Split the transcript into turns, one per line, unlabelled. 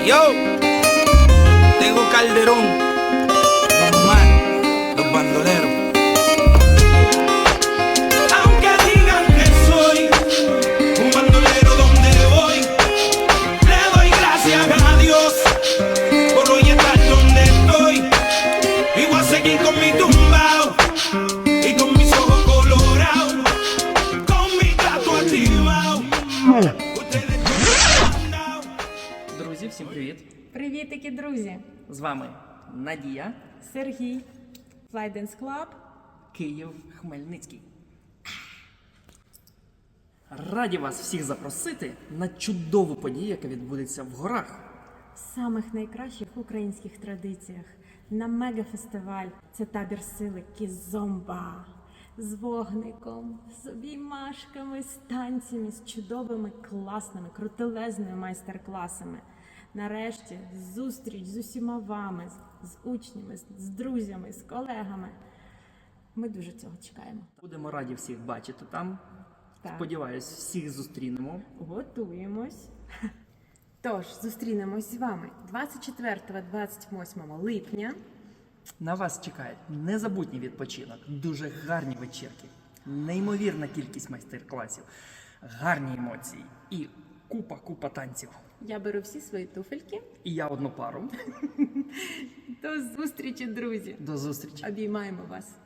Yo, Tego Calderón, Omar, los bandoleros. Aunque digan que soy un bandolero donde voy, le doy gracias a Dios por hoy estar donde estoy. Y voy a seguir con mi tumbao y con mis ojos colorados, con mi gato activado.
Друзі, всім привіт!
Привітики, друзі!
З вами Надія,
Сергій, Fly Dance Club.
Київ, Хмельницький. Раді вас всіх запросити на чудову подію, яка відбудеться в горах.
В самих найкращих українських традиціях на мегафестиваль. Це табір сили Кізомба. З вогником, з обіймашками, з танцями, з чудовими, класними, крутелезними майстер-класами. Нарешті зустріч з усіма вами, з учнями, з друзями, з колегами. Ми дуже цього чекаємо.
Будемо раді всіх бачити там.
Так.
Сподіваюсь, всіх зустрінемо.
Готуємось. Тож, зустрінемось з вами 24-28 липня.
На вас чекає незабутній відпочинок, дуже гарні вечірки, неймовірна кількість майстер-класів, гарні емоції і купа танців.
Я беру всі свої туфельки.
І я одну пару.
До зустрічі, друзі!
До зустрічі!
Обіймаємо вас!